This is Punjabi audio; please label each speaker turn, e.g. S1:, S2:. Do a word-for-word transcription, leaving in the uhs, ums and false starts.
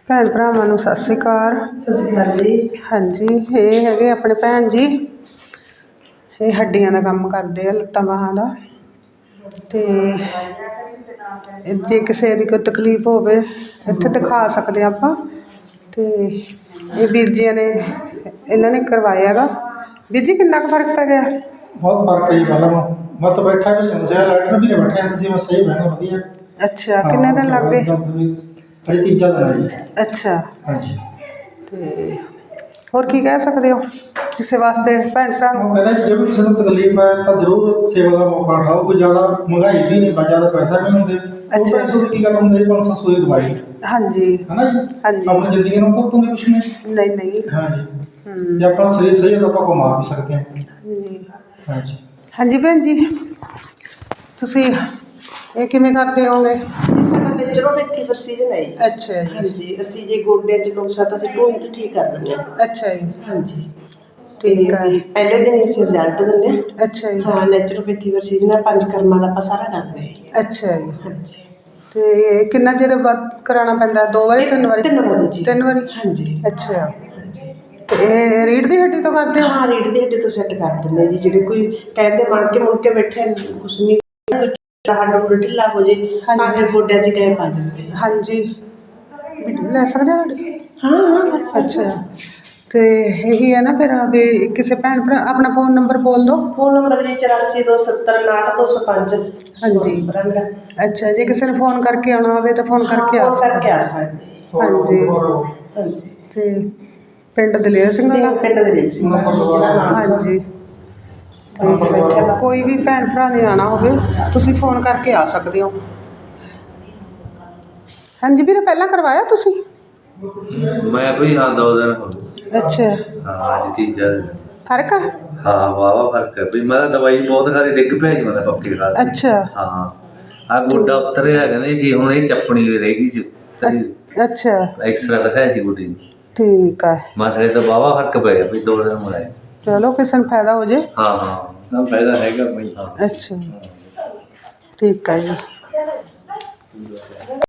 S1: ਭੈਣ ਭਰਾਵਾਂ ਨੂੰ ਸਤਿ ਸ਼੍ਰੀ ਅਕਾਲ।
S2: ਸਤਿ ਸ਼੍ਰੀ ਅਕਾਲ ਜੀ।
S1: ਹਾਂਜੀ, ਇਹ ਹੈਗੇ ਆਪਣੇ ਭੈਣ ਜੀ। ਇਹ ਹੱਡੀਆਂ ਦਾ ਕੰਮ ਕਰਦੇ ਆ, ਲੱਤਾਂ ਬਾਹਾਂ ਦਾ। ਅਤੇ ਜੇ ਕਿਸੇ ਦੀ ਕੋਈ ਤਕਲੀਫ ਹੋਵੇ ਇੱਥੇ ਦਿਖਾ ਸਕਦੇ ਹਾਂ ਆਪਾਂ। ਅਤੇ ਇਹ ਵੀਰ ਜੀਆਂ ਨੇ ਇਹਨਾਂ ਨੇ ਕਰਵਾਇਆ ਹੈਗਾ। ਵੀਰ ਜੀ ਕਿੰਨਾ ਕੁ ਫਰਕ ਪੈ ਗਿਆ?
S2: ਬਹੁਤ ਫਰਕ ਹੈ ਜੀ। ਪਹਿਲਾਂ ਮੈਂ ਤਾਂ ਬੈਠਾ ਵੀ ਜਾਂਦਾ ਸੀ, ਲਾਈਟ ਨਾਲ ਵੀ ਨਹੀਂ ਬੈਠਿਆ ਤੁਸੀਂ, ਮੈਂ ਸਹੀ ਬਹਿਣਾ ਵਧੀਆ।
S1: ਅੱਛਾ, ਕਿੰਨੇ ਦਿਨ ਲੱਗ ਗਏ?
S2: ਅਜੇ ਤੀਜਾ ਦਿਨ ਹੈ ਜੀ।
S1: ਅੱਛਾ,
S2: ਹਾਂਜੀ।
S1: ਅਤੇ ਹੋਰ ਕੀ ਕਹਿ ਸਕਦੇ ਹੋ ਕਿਸੇ ਵਾਸਤੇ ਭੈਣ ਭਰਾ ਨੂੰ?
S2: ਉਹ ਕਹਿੰਦਾ ਜੇ ਵੀ ਕਿਸੇ ਨੂੰ ਤਕਲੀਫ ਹੈ ਤਾਂ ਜ਼ਰੂਰ ਸੇਵਾ ਦਾ ਮੌਕਾ ਉਠਾਓ। ਕੋਈ ਜ਼ਿਆਦਾ ਮਹਿੰਗਾਈ ਵੀ ਨਹੀਂ, ਜ਼ਿਆਦਾ ਪੈਸਾ ਵੀ ਨਹੀਂ ਹੁੰਦੇ।
S1: ਅੱਛਾ।
S2: ਪੈਸੇ ਦੀ ਕੀ ਗੱਲ ਹੁੰਦੀ ਹੈ, ਪੰਜ ਸੱਤ ਸੌ ਦੀ ਦਵਾਈ।
S1: ਹਾਂਜੀ
S2: ਹੈ ਨਾ ਜੀ।
S1: ਹਾਂਜੀ।
S2: ਆਪਣੀ ਜ਼ਿੰਦਗੀ ਨੂੰ ਤਾਂ ਉਤੋਂ ਕੁਛ ਨਹੀਂ।
S1: ਨਹੀਂ ਨਹੀਂ।
S2: ਹਾਂਜੀ। ਜੇ ਆਪਣਾ ਸਰੀਰ ਸਹੀ ਹੈ ਤਾਂ ਆਪਾਂ ਕਮਾ ਵੀ ਸਕਦੇ ਹਾਂ।
S1: ਹਾਂਜੀ
S2: ਹਾਂਜੀ।
S1: ਹਾਂਜੀ ਭੈਣ ਜੀ, ਤੁਸੀਂ ਇਹ ਕਿਵੇਂ ਕਰਦੇ ਹੋਗੇ?
S3: ਸਾਡਾ ਨੈਚੁਰੋਪੈਥੀ ਪ੍ਰੋਸੀਜਰ ਹੈ ਜੀ।
S1: ਅੱਛਾ ਜੀ।
S3: ਹਾਂਜੀ, ਅਸੀਂ ਜੇ ਗੋਡਿਆਂ 'ਚ ਨੁਕਸਾ ਤਾਂ ਅਸੀਂ ਢੂਹੀ ਤੋਂ ਠੀਕ ਕਰ ਦਿੰਦੇ ਹਾਂ।
S1: ਅੱਛਾ ਜੀ।
S3: ਹਾਂਜੀ,
S1: ਠੀਕ ਹੈ।
S3: ਪਹਿਲੇ ਦਿਨ ਅਸੀਂ ਰਿਜ਼ਲਟ ਦਿੰਦੇ ਹਾਂ।
S1: ਅੱਛਾ ਜੀ।
S3: ਹਾਂ, ਨੈਚੁਰੋਪੈਥੀ ਪ੍ਰੋਸੀਜਰ ਨਾਲ ਪੰਜ ਕਰਮਾਂ ਦਾ ਆਪਾਂ ਸਾਰਾ ਕਰਦੇ ਹਾਂ।
S1: ਅੱਛਾ ਜੀ।
S3: ਹਾਂਜੀ।
S1: ਅਤੇ ਕਿੰਨਾ ਚਿਰ ਬਾਅਦ ਕਰਾਉਣਾ ਪੈਂਦਾ? ਦੋ ਵਾਰੀ ਤਿੰਨ ਵਾਰੀ?
S3: ਤਿੰਨ ਵਾਰੀ ਜੀ।
S1: ਤਿੰਨ ਵਾਰੀ?
S3: ਹਾਂਜੀ।
S1: ਅੱਛਾ। ਅਤੇ ਇਹ ਰੀੜ੍ਹ ਦੀ ਹੱਡੀ ਤੋਂ ਕਰਦੇ ਹੋ?
S3: ਹਾਂ, ਰੀੜ੍ਹ ਦੀ ਹੱਡੀ ਤੋਂ ਸੈੱਟ ਕਰ ਦਿੰਦੇ ਜੀ। ਜਿਹੜੇ ਕੋਈ ਕਹਿੰਦੇ ਮਣ ਕੇ ਮੁੜ ਕੇ ਬੈਠੇ ਕੁਛ ਨਹੀਂ, ਹੱਡ ਹੁੱਡ ਢਿੱਲਾ ਹੋ ਜੇ ਤਾਂ ਕਿ ਗੋਡਿਆਂ 'ਚ ਗੈਪ ਆ ਜਾਂਦੇ।
S1: ਹਾਂਜੀ, ਵੀ ਲੈ ਸਕਦੇ ਹਾਂ ਤੁਹਾਡੀ?
S3: ਹਾਂ ਹਾਂ।
S1: ਅੱਛਾ, ਅਤੇ ਇਹੀ ਹੈ ਨਾ ਫਿਰ ਵੀ ਕਿਸੇ ਭੈਣ ਭਰਾ ਆਪਣਾ ਫ਼ੋਨ ਨੰਬਰ ਬੋਲ ਦਿਓ।
S3: ਫ਼ੋਨ ਨੰਬਰ ਜੀ ਚੁਰਾਸੀ ਦੋ ਸੱਤਰ ਉਣਾਹਠ ਦੋ ਸੌ ਪੰਜ।
S1: ਹਾਂਜੀ। ਅੱਛਾ, ਜੇ ਕਿਸੇ ਨੇ ਫ਼ੋਨ ਕਰਕੇ ਆਉਣਾ ਹੋਵੇ ਤਾਂ ਫ਼ੋਨ ਕਰਕੇ ਆ
S3: ਸਕਦੇ? ਕਰਕੇ ਆ ਸਕਦੇ।
S1: ਹਾਂਜੀ।
S3: ਹਾਂਜੀ।
S1: ਅਤੇ ਪਿੰਡ ਦਲੇਰ ਸਿੰਘ ਵਾਲਾ?
S3: ਪਿੰਡ ਦਲੇਰ ਸਿੰਘ ਵਾਲਾ।
S1: ਹਾਂਜੀ। ਅਤੇ ਕੋਈ ਵੀ ਭੈਣ ਭਰਾ ਨੇ ਆਉਣਾ ਹੋਵੇ ਤੁਸੀਂ ਫ਼ੋਨ ਕਰਕੇ ਆ ਸਕਦੇ ਹੋ। ਹਾਂਜੀ ਵੀਰੇ, ਪਹਿਲਾਂ ਕਰਵਾਇਆ ਤੁਸੀਂ?
S4: ਮੈਂ ਬਈ ਹਾਂ ਦੋ ਦਿਨ ਹੋ ਗਏ।
S1: ਅੱਛਾ।
S4: ਹਾਂ, ਅੱਜ ਤੀਜਾ ਦਿਨ।
S1: ਫਰਕ ਆ?
S4: ਹਾਂ, ਵਾਹਵਾ ਫਰਕ ਹੈ ਬਈ। ਮੈਂ ਤਾਂ ਦਵਾਈ ਬਹੁਤ ਖਾਰੀ, ਡਿੱਗ ਪਿਆ ਜੀ ਮੈਂ ਤਾਂ ਪੱਖੇ ਖਾ ਕੇ।
S1: ਅੱਛਾ।
S4: ਹਾਂ, ਆਹ ਗੋਡਾ ਉਤਰਿਆ ਕਹਿੰਦੇ ਸੀ, ਹੁਣ ਇਹ ਚੱਪਣੀ ਵੀ ਰਹਿ ਗਈ ਸੀ।
S1: ਅੱਛਾ।
S4: ਐਕਸਰਾ ਦਿਖਾਇਆ ਸੀ ਗੋਡੇ ਨੂੰ।
S1: ਠੀਕ ਹੈ।
S4: ਮਸਲੇ ਤਾਂ ਵਾਹਵਾ ਫਰਕ ਪੈ ਗਿਆ ਬਈ, ਦੋ ਦਿਨ ਮੁਲਾਏ।
S1: ਚਲੋ ਕਿਸੇ ਨੂੰ ਫਾਇਦਾ ਹੋ ਜੇ।
S4: ਹਾਂ ਹਾਂ, ਨਾ ਫਾਇਦਾ ਹੈਗਾ ਬਈ। ਹਾਂ।
S1: ਅੱਛਾ, ਠੀਕ ਹੈ ਜੀ।